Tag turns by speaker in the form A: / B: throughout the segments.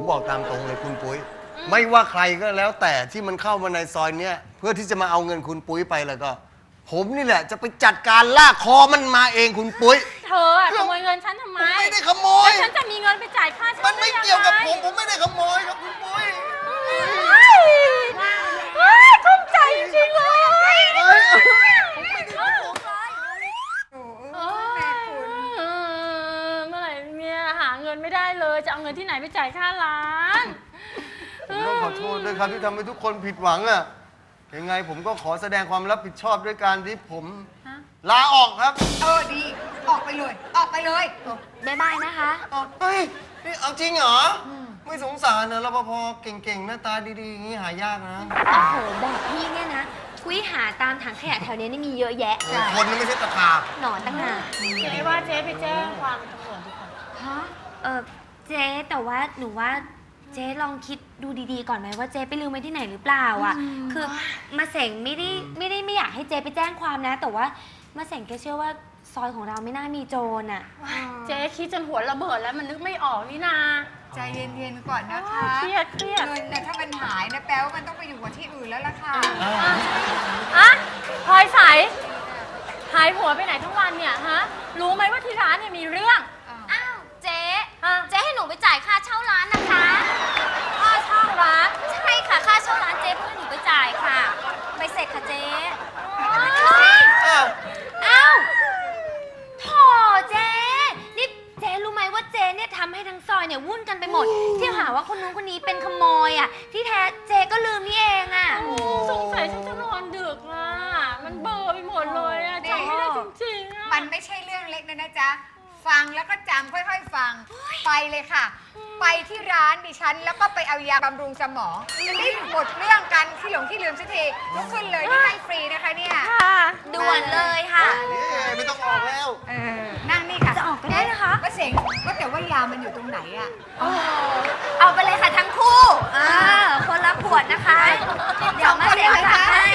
A: บอกตามตรงเลยคุณปุ้ยไม่ว่าใครก็แล้วแต่ที่มันเข้ามาในซอยเนี้ยเพื่อที่จะมาเอาเงินคุณปุ้ยไปแล้วก็ผมนี่แหละจะไปจัดการลากคอมันมาเองคุณปุ้ย
B: เธอขโมยเงินฉันทำไม
A: ไม่ได้ขโมย
B: ฉันจะมีเงินไปจ่ายค่ามัน
A: ไม่เกี่ยวกับผมไม่ได้ขโมยครับคุณปุ้ย
B: คุ้มใจจริงๆเลยเมื่อไหร่เนี่ยหาเงินไม่ได้เลยจะเอาเงินที่ไหนไปจ่ายค่าร้าน
A: ผมต้องขอโทษด้วยครับที่ทำให้ทุกคนผิดหวังอะยังไงผมก็ขอแสดงความรับผิดชอบด้วยการที่ผมลาออกครับ
C: ดีออกไปเลยออกไปเลย
B: บ๊ายบายนะคะ
A: เฮ้ยนี่เอาจริงเหรอไม่สงสารนะรปภเก่งๆหน้าตาดีๆอย่างนี้หายากนะ
D: โอ้โหแบบพี่เนี่ยนะคุยหาตามถังขยะแถวนี้นี่มีเยอะแยะ
A: คนนี่ไม่ใช่ตะขาบ
D: หนอนต่างหาก
B: เจ๊ว่าเจ๊ไปแจ้งความตำรวจดีกว่า
D: เจ๊แต่ว่าหนูว่าเจ๊ลองคิดดูดีๆก่อนไหมว่าเจ๊ไปลืมไว้ที่ไหนหรือเปล่าอ่ะคือมาเสงไม่อยากให้เจ๊ไปแจ้งความนะแต่ว่ามาเสงแกเชื่อว่าซอยของเราไม่น่ามีโจรอ่ะ
B: เจ๊คิดจนหัวระเบิดแล้วมันนึกไม่ออกนี่นา
C: ใจเย็นๆก่อนนะคะ
B: เครียด
C: เงินเนี่ยถ้ามันหายนะแปลว่ามันต้องไปอยู่กับที่อื่นแล้วล่ะค่ะ
B: พลอยใสหายหัวไปไหนทั้งวันเนี่ยฮะรู้ไหมว่าที่ร้านเนี่ยมีเรื่อง
D: อ้าวเจ๊ให้หนูไปจ่ายค่าเช่าร้านนะคะ
B: ค่าเช่าร้าน
D: ใช่ค่ะค่าเช่าร้านเจ๊เพื่อหนูไปจ่ายค่ะไปเสร็จค่ะเจ๊อ้าวโถ่เจ๊นี่เจ๊รู้ไหมว่าเจ๊เนี่ยทำให้ทั้งซอยเนี่ยวุ่นกันไปหมดที่หาว่าคนนู้นคนนี้เป็นขโมยอ่ะที่แท้เจ๊ก็ลืมนี่เองอ่ะ
B: สงสัยฉันจะนอนดึกอ่ะมันเบลอไปหมดเลยอ่ะจำไม่ได้จริงๆ
C: มันไม่ใช่เรื่องเล็กนะจ๊ะฟังแล้วก็จำค่อยๆฟังไปเลยค่ะไปที่ร้านดิฉันแล้วก็ไปเอายาบำรุงสมองจะได้หมดเรื่องกันที่หลงที่ลืมสักทีลุกขึ้นเลยที่ให้ฟรีนะคะเนี่ย
D: ด่วนเลยค่ะ
A: ไม่ต้องออกแล้ว
C: นั่งนี่ค่ะ
D: จะออกก็ได้นะคะ
C: ก็เสียงก็แต่ว่ายามันอยู่ตรงไหนอ่ะ
D: เอาไปเลยค่ะทั้งคู่คนละขวดนะคะเดี๋ยวมาเสียค่าให้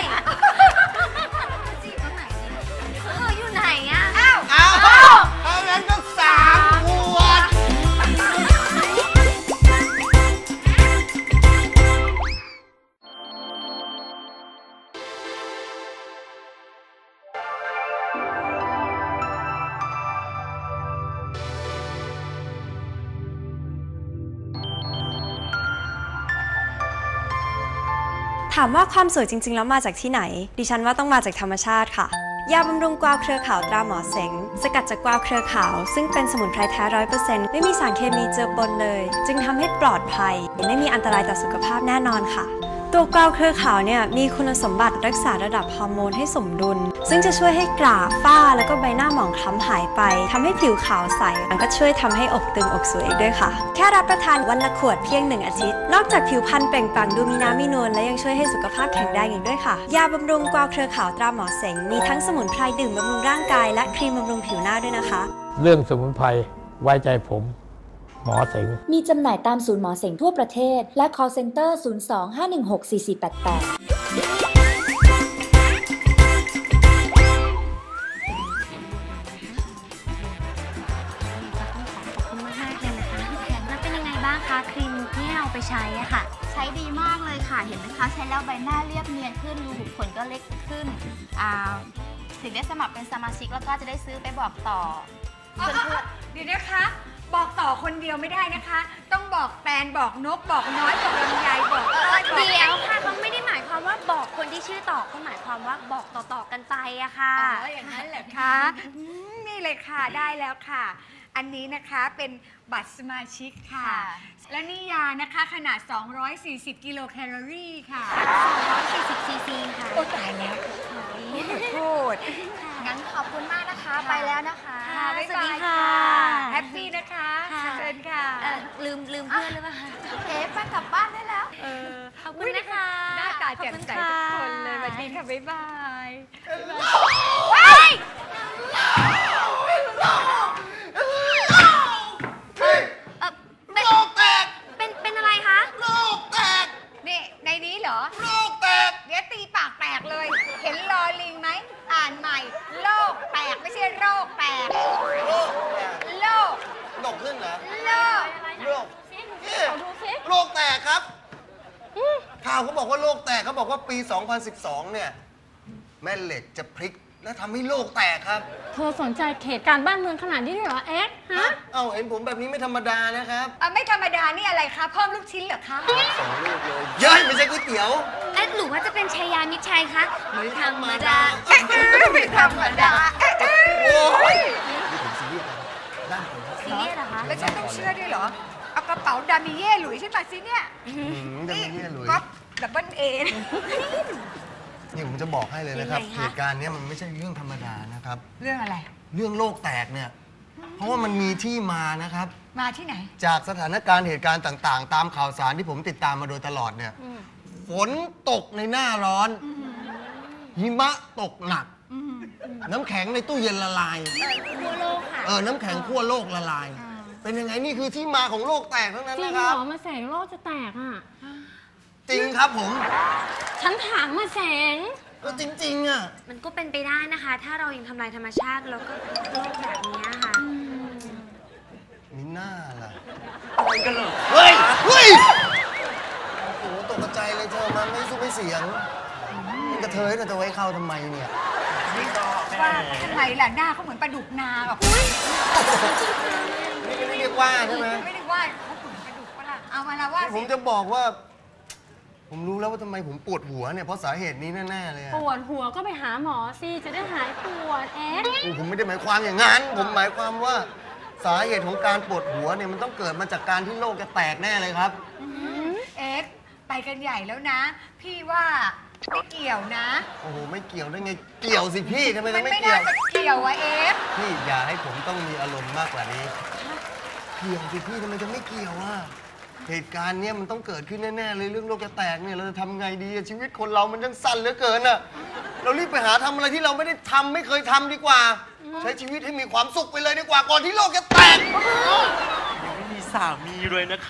D: อยู่ไหนอ่ะ
A: อ้าวงั้นก็3 ขวด
E: ถามว่าความสวยจริงๆแล้วมาจากที่ไหนดิฉันว่าต้องมาจากธรรมชาติค่ะยาบำรุงกวาวเครือขาวตราหมอเสงสกัดจากกวาวเครือขาวซึ่งเป็นสมุนไพรแท้ 100% ไม่มีสารเคมีเจือปนเลยจึงทำให้ปลอดภัยไม่มีอันตรายต่อสุขภาพแน่นอนค่ะตัวกวาวเครือขาวเนี่ยมีคุณสมบัติรักษาระดับฮอร์โมนให้สมดุลซึ่งจะช่วยให้กราฝ้าแล้วก็ใบหน้าหมองคล้ำหายไปทำให้ผิวขาวใสมันก็ช่วยทำให้อกตึงอกสวยอีกด้วยค่ะแค่รับประทานวันละขวดเพียง1 อาทิตย์นอกจากผิวพรรณเปล่งปลั่งดูมีน้ำมีนวลและยังช่วยให้สุขภาพแข็งแรงอีกด้วยค่ะยาบำรุงกวาวเครือขาวตราหมอเสงมีทั้งสมุนไพรดื่มบำรุงร่างกายและครีมบำรุงผิวหน้าด้วยนะคะ
F: เรื่องสมุนไพรไว้ใจผมหมอเสง
G: มีจำหน่ายตามศูนย์หมอเสงทั่วประเทศและ call center 02-516-4488
D: ครีมที่เอาไปใช้อะค่ะ
H: ใช้ดีมากเลยค่ะเห็นไหมคะใช้แล้วใบหน้าเรียบเนียนขึ้นรูขุมขนก็เล็กขึ้นถึงได้สมัครเป็นสมาชิกแล้วก็จะได้ซื้อไปบอกต่อ
C: เดี๋ยวนะคะบอกต่อคนเดียวไม่ได้นะคะต้องบอกแตนบอกนกบอกน้อยบอกลำไยบอก
D: เดี๋ยวค่ะเขาไม่ได้หมายความว่าบอกคนที่ชื่อต่อเขาหมายความว่าบอกต่อๆกันไปอะค่ะ
C: อย่างนั้นแหละค่ะนี่เลยค่ะได้แล้วค่ะอันนี้นะคะเป็นบัตรสมาชิกค่ะและนี่ยานะคะขนาด240 กิโลแคลอรี่ค่ะ
D: 240 ซีซีค่ะ
C: โอ้ตายแล้วโทษ
H: งั้นขอบคุณมากนะคะไปแล้วนะคะ
D: สวัสดีค่ะ
C: แฮปปี้นะคะเชิญค่ะ
D: ลืมเพื่อนหรือเปล่า
H: เก๋ไปกลับบ้านได้แล้ว
D: ขอบคุณนะคะ
C: หน้าตาแจ่มใสทุกคนเลยสวัสดีค่ะบ๊ายบาย
A: โลกแตก
D: เป็นอะไรคะ
A: โลกแตก
C: นี่ในนี้เหรอ
A: โลกแตก
C: เดี๋ยวตีปากแตกเลยเห็นลอลิงไหมอ่านใหม่โลกแตกไม่ใช่โรคแตกโลก
A: ดกขึ้นเหรอ
C: โลก
A: โลกโลเขาบอกว่าโลกแตกเขาบอกว่าปี 2012 เนี่ยแม่เหล็กจะพลิกและทำให้โลกแตกครับ
B: เธอสนใจเหตุการณ์บ้านเมืองขนาดนี้ด้วยเหรอเอ็กซ์ฮะ
A: เห็นผมแบบนี้ไม่ธรรมดานะครับ
C: ไม่ธรรมดานี่อะไรคะเพิ่มลูกชิ้นเหรอคะ
A: 2 ลูกเลยเย้ยไม่ใช่ก๋วยเตี๋ยว
D: หรือว่าจะเป็นชายามิตรชัยคะไม่ธรรมดา
C: ไม่ธรรมดา
A: โอ้ยนี่ผมซีเรียสนะครับด้านผมครับ
D: ซีเรียสเหรอคะ
C: แล้วฉันต้องเชื่อด้วยเหรอเอากระเป๋าดามิเย่หลุยส์ฉันมาสิเนี่ย
A: จะไม่เรียกเลย
C: ก๊อปดับเบิลเอ
A: นี่ผมจะบอกให้เลยนะครับ
D: ยังไงคะ
A: เหตุการณ์เนี้ยมันไม่ใช่เรื่องธรรมดานะครับ
C: เรื่องอะไร
A: เรื่องโลกแตกเนี่ย เพราะว่ามันมีที่มานะครับ
C: มาที่ไหน
A: จากสถานการณ์เหตุการณ์ต่างๆ ตามข่าวสารที่ผมติดตามมาโดยตลอดเนี่ย ฝนตกในหน้าร้อน หิมะตกหนัก น้ำแข็งในตู้เย็นละลาย
D: ทั่วโลกค่ะ
A: น้ำแข็งขั้วโลกละลาย เป็นยังไงนี่คือที่มาของโลกแตกทั้งนั้น
B: จริง
A: นะ
B: เห
A: ครับ
B: รอมาแสงโลกจะแตกอ่ะ
A: จริงครับผม
B: ฉันถามมาแสง
A: ก็จริงๆอ่ะ
D: มันก็เป็นไปได้นะคะ ถ้าเรายังทำลายธรรมชาติแล้วก็โลกแบบนี้ค่ะ
A: มีหน้าล่ะเฮ้ย เฮ้ย โอ้โหตกใจเลยเธอมันไม่สู้ไม่เสียงมันกระเทยแต่จะไว้เข้าทำไมเนี่ย
C: ว่าทำไมล่ะหน้าเขาเหมือนปลาดุกนาแบบ
A: นี่ไม่ได้เรียกว่าใช่ไหม
C: ไม่ได้ว่าเขาเหมือนปลาดุกปะล่ะเอามาละว่า
A: ผ
C: สิ
A: มจะบอกว่า ผมรู้แล้วว่าทำไมผมปวดหัวเนี่ยเพราะสาเหตุนี้แน่ๆเลยอะ
B: ปวดหัวก็ไปหาหมอสิ จะได้หายปวดเอ็กซ์
A: โอ้ผมไม่ได้หมายความอย่างนั้น ผมหมายความว่าสาเหตุของการปวดหัวเนี่ยมันต้องเกิดมาจากการที่โลกจะแตกแน่เลยครับ
C: เอ็กซ์ไปกันใหญ่แล้วนะ พี่ว่าไม่เกี่ยวนะ
A: โอ้โหไม่เกี่ยวได้ไง เกี่ยวสิพี่ทำไม
C: มั
A: จะ
C: น
A: ไม่
C: ไม่
A: เกี่
C: น่า
A: ยว
C: จะเกี่ยวอะเอ็กซ์
A: พี่อย่าให้ผมต้องมีอารมณ์มากกว่านี้ เกี่ยวสิพี่ทำไมจะไม่เกี่ยวอ่ะเหตุการณ์เนี้ยมันต้องเกิดขึ้นแน่ๆเลยเรื่องโลกจะแตกเนี่ยเราจะทำไงดีอะชีวิตคนเรามันยังสั้นเหลือเกินอ่ะเรารีบไปหาทำอะไรที่เราไม่ได้ทำไม่เคยทำดีกว่า ใช้ชีวิตให้มีความสุขไปเลยดีกว่าก่อนที่โลกจะแตก
I: ยังไม่มีสามีเลยนะคะ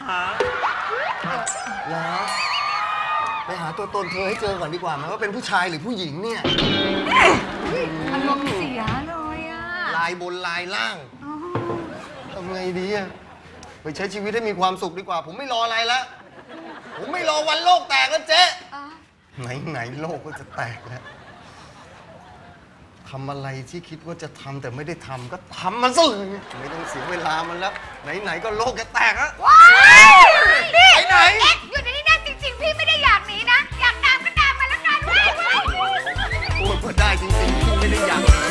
A: แล้วไปหาตัวตนเธอให้เจอก่อนดีกว่าไหมว่าเป็นผู้ชายหรือผู้หญิงเนี่ย
C: อารมณ์เสียเลยอะ
A: ลายบนลายล่างทำไงดีอะไปใช้ชีวิตให้มีความสุขดีกว่า ผมไม่รออะไรแล้วผมไม่รอวันโลกแตกแล้วเจ๊
C: อ๋อ
A: ไหนโลกก็จะแตกแล้วทำอะไรที่คิดว่าจะทำแต่ไม่ได้ทำก็ทำมันซะเลยไม่ต้องเสียเวลามันแล้วไหนก็โลกจะแตกแล้ว
C: ว้ายนี่
A: ไปไหน
C: เอ็กซ์อยู่ในนี้นะจริงๆ พี่ไม่ได้อยากหนีนะ อยากตามก็ตามมาแล้วกันเว้ย
A: พูดก็ได้จริงๆพี่ไม่ได้อยากเลย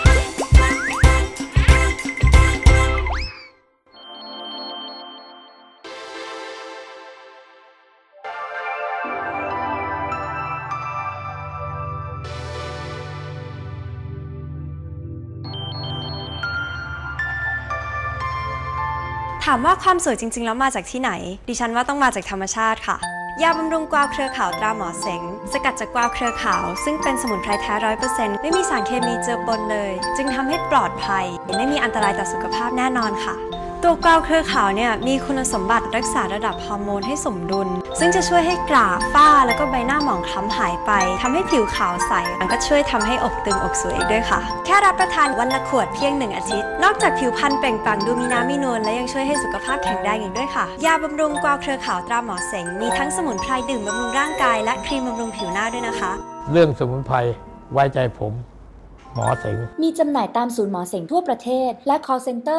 E: ถามว่าความสวยจริงๆแล้วมาจากที่ไหน ดิฉันว่าต้องมาจากธรรมชาติค่ะ ยาบำรุงกวาวเครือขาวตราหมอเสง สกัดจากกวาวเครือขาว ซึ่งเป็นสมุนไพรแท้ 100% ไม่มีสารเคมีเจือปนเลย จึงทำให้ปลอดภัย ไม่มีอันตรายต่อสุขภาพแน่นอนค่ะ ตัวกวาวเครือขาวเนี่ยมีคุณสมบัติรักษาระดับฮอร์โมนให้สมดุล ซึ่งจะช่วยให้กราฝ้าแล้วก็ใบหน้าหมองคล้ำหายไปทำให้ผิวขาวใสมันก็ช่วยทำให้อกตึงอกสวยอีกด้วยค่ะ แค่รับประทานวันละขวดเพียง1 อาทิตย์ นอกจากผิวพรรณเปล่งปลั่งดูมีน้ำมีนวลและยังช่วยให้สุขภาพแข็งแรงอีกด้วยค่ะ ยาบำรุงกวาวเครือขาวตราหมอเสงมีทั้งสมุนไพรดื่มบำรุงร่างกายและครีมบำรุงผิวหน้าด้วยนะคะ
F: เรื่องสมุนไพรไว้ใจผม หมอเสง
G: มีจำหน่ายตามศูนย์หมอเสงทั่วประเทศ และ call center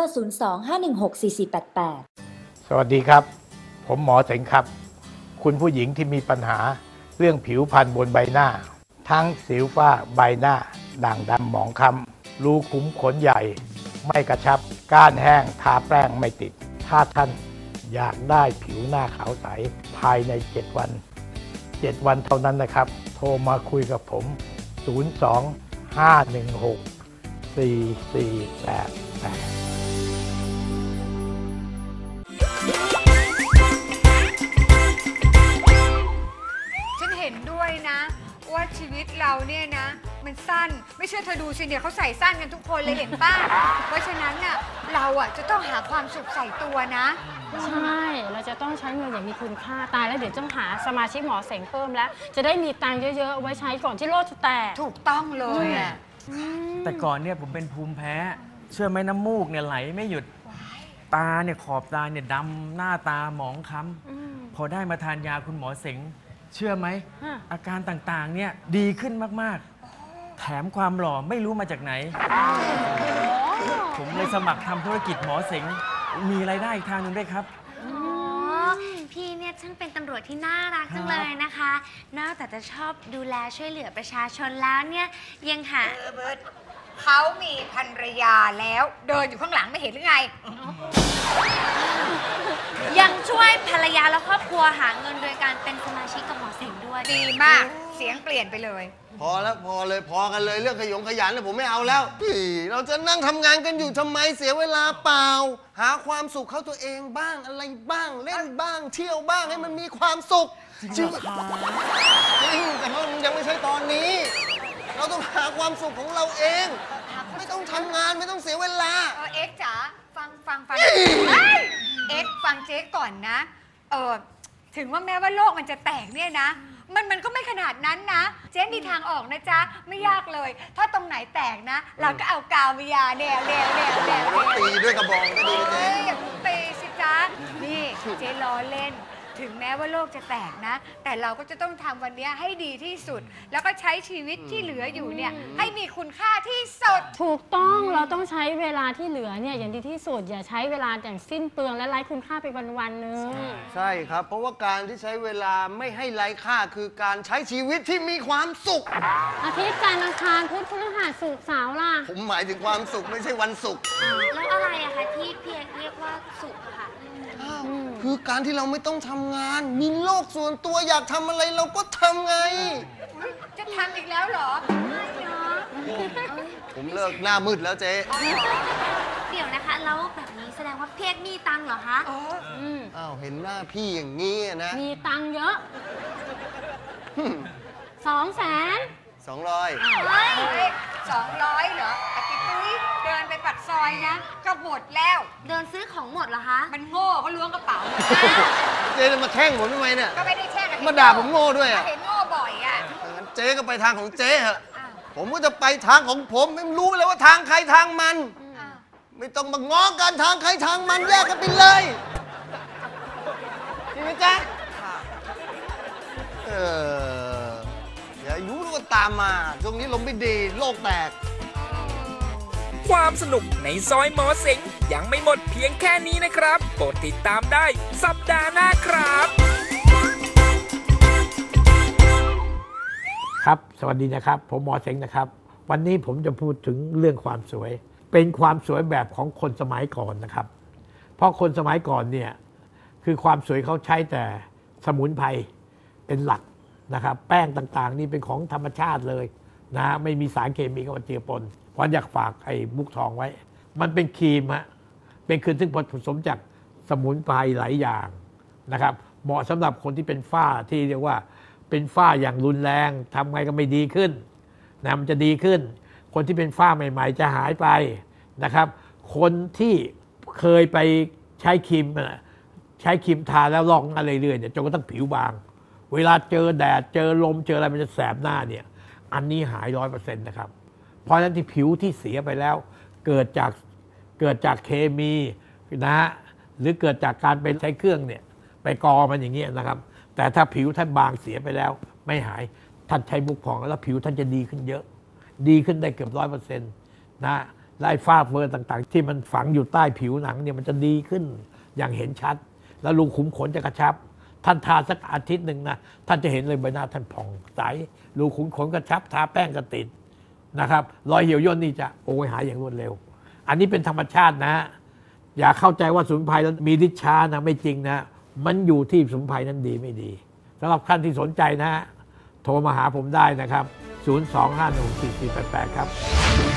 G: 02-516-4488
F: สวัสดีครับ ผมหมอเสงครับ คุณผู้หญิงที่มีปัญหาเรื่องผิวพรรณบนใบหน้า ทั้งสิวฝ้าใบหน้า ด่างดำหมองคล้ำรูขุมขนใหญ่ ไม่กระชับ ก้านแห้ง ทาแป้งไม่ติด ถ้าท่านอยากได้ผิวหน้าขาวใสภายใน 7 วัน 7 วันเท่านั้นนะครับ โทรมาคุยกับผม 02-516-4488
C: ฉันเห็นด้วยนะ ว่าชีวิตเราเนี่ยนะ มันสั้นไม่เชื่อเธอดูสิเนี่ยเขาใส่สั้นกันทุกคนเลยเห็นป่ะ เพราะฉะนั้นน่ะเราอ่ะจะต้องหาความสุขใส่ตัวนะ
B: ใช่ เราจะต้องใช้เงินอย่างมีคุณค่า ตายแล้วเดี๋ยวต้องหาสมาชิกหมอเสงเพิ่มแล้ว จะได้มีตังค์เยอะๆเอาไว้ใช้ก่อนที่โลกจะแตก
C: ถูกต้องเลยอ่ะ
I: แต่ก่อนเนี่ยผมเป็นภูมิแพ้ เชื่อไหมน้ำมูกเนี่ยไหลไม่หยุด ตาเนี่ยขอบตาเนี่ยดำหน้าตาหมองคล้ำพอได้มาทานยาคุณหมอเสงเชื่อไหม อาการต่างๆเนี่ยดีขึ้นมากๆ แถมความหล่อไม่รู้มาจากไหน ผมเลยสมัครทำธุรกิจหมอเสงมีรายได้อีกทางหนึ่งด้วยครับ
D: อ๋อ พี่เนี่ยช่างเป็นตำรวจที่น่ารักจังเลยนะคะ นอกจากจะชอบดูแลช่วยเหลือประชาชนแล้วเนี่ยยังหา
C: เบิร์ตเขามีภรรยาแล้วเดินอยู่ข้างหลังไม่เห็นหรือไง
D: ยังช่วยภรรยาและครอบครัวหาเงินโดยการเป็นสมาชิกกับหมอเสงด้วย
C: ดีมากเสียงเปลี่ยนไปเลย
A: พอแล้วพอเลยพอกันเลยเรื่องขยันเนี่ยผมไม่เอาแล้วเราจะนั่งทำงานกันอยู่ทำไมเสียเวลาเปล่า หาความสุขเข้าตัวเองบ้างอะไรบ้างเล่นบ้าง เที่ยวบ้างให้มันมีความสุขจริงแต่ว่ามันยังไม่ใช่ตอนนี้ เราต้องหาความสุขของเราเอง ไม่ต้องทำงานไม่ต้องเสียเวลา
C: เอ็กซ์จ๋าฟังเฮ้ยเอ็กซ์ฟังเจ๊ก่อนนะถึงว่าแม้ว่าโลกมันจะแตกเนี่ยนะมันก็ไม่ขนาดนั้นนะเจ๊มีทางออกนะจ๊ะไม่ยากเลย ถ้าตรงไหนแตกนะ เราก็เอากาววิยาแนว
A: ตีด้วยกระบองก็ดีเจ๊
C: อย่าตีสิจ๊ะนี่เจ๊ล้อเล่นถึงแม้ว่าโลกจะแตกนะ แต่เราก็จะต้องทำวันนี้ให้ดีที่สุด แล้วก็ใช้ชีวิตที่เหลืออยู่เนี่ยให้มีคุณค่าที่สุด
B: ถูกต้องเราต้องใช้เวลาที่เหลือเนี่ยอย่างดีที่สุดอย่าใช้เวลาอย่างสิ้นเปลืองและไร้คุณค่าไปวันๆนึง
A: ใช่ครับเพราะว่าการที่ใช้เวลาไม่ให้ไร้ค่าคือการใช้ชีวิตที่มีความสุข
B: อาทิตย์จันทร์อังคารพุธพฤหัสศุกร์เสาร์ล่ะ
A: ผมหมายถึงความสุขไม่ใช่วันศุกร์
D: แล้วอะไรอะคะที่เพียงเรียกว่าสุขอะค่ะ
A: คือการที่เราไม่ต้องทำงาน มีโลกส่วนตัวอยากทำอะไรเราก็ทำไง
C: จะทำอีกแล้วเหรอ
A: ผมเลิกหน้ามืดแล้วเจ๊
D: เดี๋ยวนะคะแล้วแบบนี้แสดงว่าเพียกมีตังค์เหรอคะ
A: อ้าวเห็นหน้าพี่อย่างนี้นะ
B: มีตังค์เยอะ 200,000
A: 200
C: เฮ้ย200เหรออาทิตย์ตุ้ยเดินไปปักซอยนะก็หมดแล้ว
D: เดินซื้อของหมดเหรอคะ
C: มันโง่เขาล้วงกระเป๋า
A: เจ๊จะมาแช่งผมทำไมเนี่ย
C: ก็ไม่ได้แช่ง
A: มาด่าผมโง่ด้วยอ่ะ
C: เห็นโง่บ่อยอ่ะ
A: งั้นเจ๊ก็ไปทางของเจ๊เหอะผมก็จะไปทางของผมไม่รู้เลยว่าทางใครทางมัน ไม่ต้องมาง้อกันทางใครทางมันแยกกันไปเลยจริงไหมจ๊ะอย่ารู้ว่าตามมาช่วงนี้ลมไม่ดีโลกแตก
J: ความสนุกในซอยหมอเสงยังไม่หมดเพียงแค่นี้นะครับโปรดติดตามได้สัปดาห์หน้าครับ
F: ครับสวัสดีนะครับผมหมอเสงนะครับวันนี้ผมจะพูดถึงเรื่องความสวยเป็นความสวยแบบของคนสมัยก่อนนะครับเพราะคนสมัยก่อนเนี่ยคือความสวยเขาใช้แต่สมุนไพรเป็นหลักนะครับแป้งต่างๆนี่เป็นของธรรมชาติเลยนะไม่มีสารเคมีเข้ามาเจือปนวันอยากฝากไอ้มุกทองไว้มันเป็นครีมฮะเป็นครีมซึ่งผสมจากสมุนไพรหลายอย่างนะครับเหมาะสำหรับคนที่เป็นฝ้าที่เรียกว่าเป็นฝ้าอย่างรุนแรงทำไงก็ไม่ดีขึ้นนะมันจะดีขึ้นคนที่เป็นฝ้าใหม่ๆจะหายไปนะครับคนที่เคยไปใช้ครีมทาแล้วลอกหน้าเรื่อยๆเนี่ยจนกระทั่งผิวบางเวลาเจอแดดเจอลมเจออะไรมันจะแสบหน้าเนี่ยอันนี้หาย 100% นะครับเพราะฉะนั้นที่ผิวที่เสียไปแล้วเกิดจากเคมีนะฮะหรือเกิดจากการไปใช้เครื่องเนี่ยไปกอมันอย่างเงี้ยนะครับแต่ถ้าผิวท่านบางเสียไปแล้วไม่หายท่านใช้มุกพองแล้วผิวท่านจะดีขึ้นเยอะดีขึ้นได้เกือบ 100% นะไล่ฝ้าเฟอร์ต่างๆที่มันฝังอยู่ใต้ผิวหนังเนี่ยมันจะดีขึ้นอย่างเห็นชัดแล้วรูขุมขนจะกระชับท่านทาสักอาทิตย์หนึ่งนะท่านจะเห็นเลยใบหน้าท่านผ่องใสรูขุมขนกระชับทาแป้งก็ติดนะครับรอยเหี่ยวย่นนี่จะหายอย่างรวดเร็วอันนี้เป็นธรรมชาตินะอย่าเข้าใจว่าสมุนไพรนั้นมีฤทธิ์ช้านะไม่จริงนะมันอยู่ที่สมุนไพรนั้นดีไม่ดีสำหรับท่านที่สนใจนะโทรมาหาผมได้นะครับ 025144488 ครับ